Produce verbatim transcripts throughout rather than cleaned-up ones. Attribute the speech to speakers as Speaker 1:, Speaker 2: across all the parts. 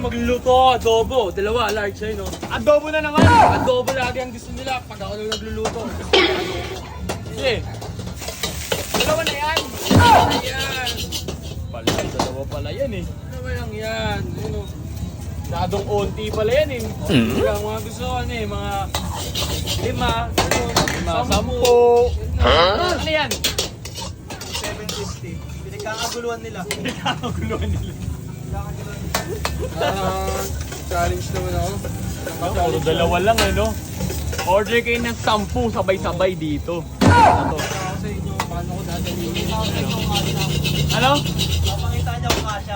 Speaker 1: magluluto, adobo. Dalawa, large siya, no?
Speaker 2: Adobo na naman!
Speaker 1: Adobo lagi ang gusto nila pag ako lang nagluluto.
Speaker 2: Sige. Dalawa na yan!
Speaker 1: Ayan.
Speaker 2: Pala, dalawa pala yan eh.
Speaker 1: Dalawa lang yan. Ano?
Speaker 2: Masyadong onti pala yan eh.
Speaker 1: Kaya mga gusto ko, ano eh, mga lima, ano,
Speaker 2: Lima,
Speaker 1: sampu.
Speaker 2: sampo. Ano yan?
Speaker 3: seven fifty. Pinagkakaguluhan nila.
Speaker 2: Pinagkakaguluhan nila.
Speaker 1: Ah, challenge naman ako.
Speaker 2: Puro dalawa lang eh, no? Order kayo ng sampu sabay-sabay dito. Ano to?
Speaker 1: Ako sa inyo, paano ko dadalhin?
Speaker 2: Ano?
Speaker 3: Papakita niya kung kasya.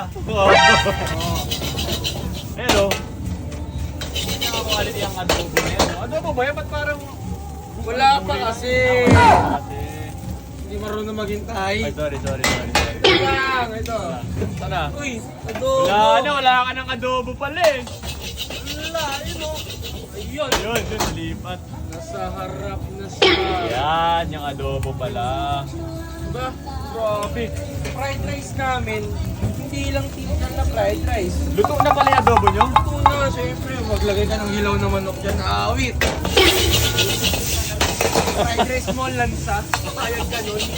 Speaker 2: Pero, hindi na quality ang adobo na yan. Adobo ba yan? Ba't parang...
Speaker 1: Wala pa kasi.
Speaker 2: Kasi...
Speaker 1: Hindi marunong maghintay.
Speaker 2: Ay, sorry, sorry, sorry. sorry.
Speaker 1: Ito lang, ito.
Speaker 2: Sana?
Speaker 1: Uy, adobo.
Speaker 2: Wala na, wala ka ng adobo pala eh.
Speaker 1: Wala, yun o. Ayun.
Speaker 2: Yun, yun, lipat.
Speaker 1: Nasa harap na siya.
Speaker 2: Yan, yung adobo pala.
Speaker 1: Diba? Grabe. Fried rice namin, hindi lang tinitan na fried rice.
Speaker 2: Luto na pala yung adobo nyo?
Speaker 1: Ito na, syempre, maglagay ka ng hilaw na manok dyan. Awit. Fried rice mo, lansa. Ayag ka nun.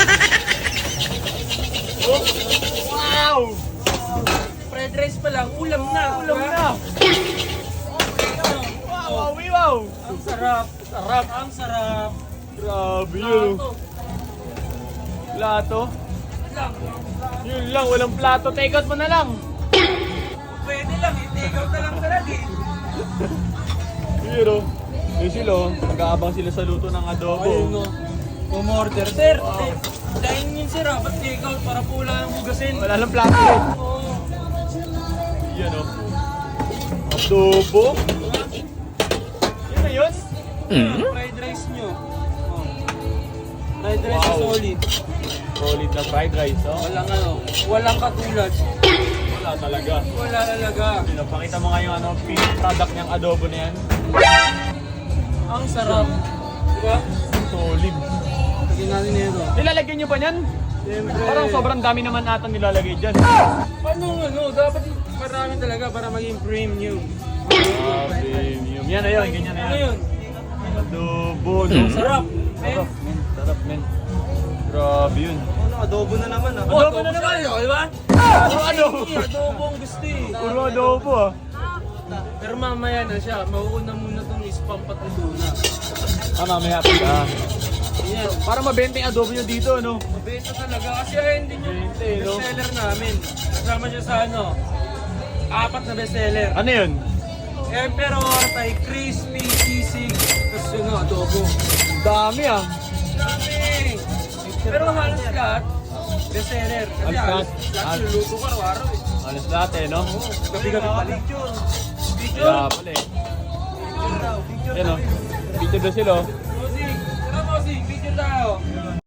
Speaker 2: Oh, wow!
Speaker 1: Fried rice pa lang, ulam na.
Speaker 2: Ulam
Speaker 1: diba?
Speaker 2: na! Wow, wow, wow!
Speaker 1: Ang sarap. Sarap. Ang sarap.
Speaker 2: Grabe yun.
Speaker 1: Plato.
Speaker 2: Plato?
Speaker 1: Lang.
Speaker 2: Yun lang, walang plato. Take out mo na lang.
Speaker 1: Pwede lang, i-take out na lang talaga eh.
Speaker 2: Yun o. Yun sila o. Mag-aabang sila sa luto ng adobo.
Speaker 1: Ayun no. Umorder. Sir,
Speaker 2: Wow.
Speaker 1: eh, dahil yun sir ah, ba't take out para po wala ang hugasin?
Speaker 2: Wala lang plato eh.
Speaker 1: Oo.
Speaker 2: Yan o. Adobo? Yun na yun?
Speaker 1: Fried rice nyo. Oh. Fried rice
Speaker 2: Wow.
Speaker 1: na solid.
Speaker 2: Solid na fried rice o.
Speaker 1: Walang ano, walang katulad.
Speaker 2: Wala talaga.
Speaker 1: Wala talaga.
Speaker 2: Pinapakita mo nga yung ano, finished product niyang adobo na yan.
Speaker 1: Ang sarap. Diba?
Speaker 2: Solid.
Speaker 1: Lagyan natin na ito.
Speaker 2: Nilalagyan niyo pa niyan?
Speaker 1: Siyempre.
Speaker 2: Parang sobrang dami naman ata nilalagay dyan.
Speaker 1: Paano ano, dapat marami talaga para maging premium.
Speaker 2: Ah, premium. Yan na yun, ganyan na
Speaker 1: Ano
Speaker 2: yan.
Speaker 1: yun?
Speaker 2: Adobo, no?
Speaker 1: Sarap.
Speaker 2: Sarap, men. Sarap, men. Grabe yun.
Speaker 3: Ano, adobo na naman ah.
Speaker 1: Oh,
Speaker 2: Adobo na
Speaker 1: siya,
Speaker 2: naman.
Speaker 1: oh, diba?
Speaker 2: Puro adobo.
Speaker 1: Ay, adobo ang gusto eh.
Speaker 2: Puro adobo ah.
Speaker 1: Pero mamaya na siya, mauuna muna itong spam pati tuna.
Speaker 2: Ah, mamaya pa ka.
Speaker 1: Yan.
Speaker 2: Para mabenta yung adobo nyo dito, no?
Speaker 1: Mabenta talaga kasi ayun din yung
Speaker 2: Benta eh, no?
Speaker 1: bestseller namin. Kasama siya sa ano, apat na bestseller.
Speaker 2: Ano yun?
Speaker 1: Emperor, Thai Crispy, Sisig, tapos yun no, adobo.
Speaker 2: Dami ah.
Speaker 1: Dami! Pero halos lahat, bestseller. Kasi
Speaker 2: Halos
Speaker 1: halos
Speaker 2: lahat.
Speaker 1: lahat niluluto ko araw-araw eh.
Speaker 2: Alas lahat eh, no?
Speaker 1: Oo, gabi-gabi pala.
Speaker 3: Picture.
Speaker 1: Video!
Speaker 2: Kaya pala eh.
Speaker 3: Picture daw. Picture
Speaker 2: Yan
Speaker 3: daw.
Speaker 2: o. Picture daw sila oh.
Speaker 1: Mosing! Tara Mosing, video tayo!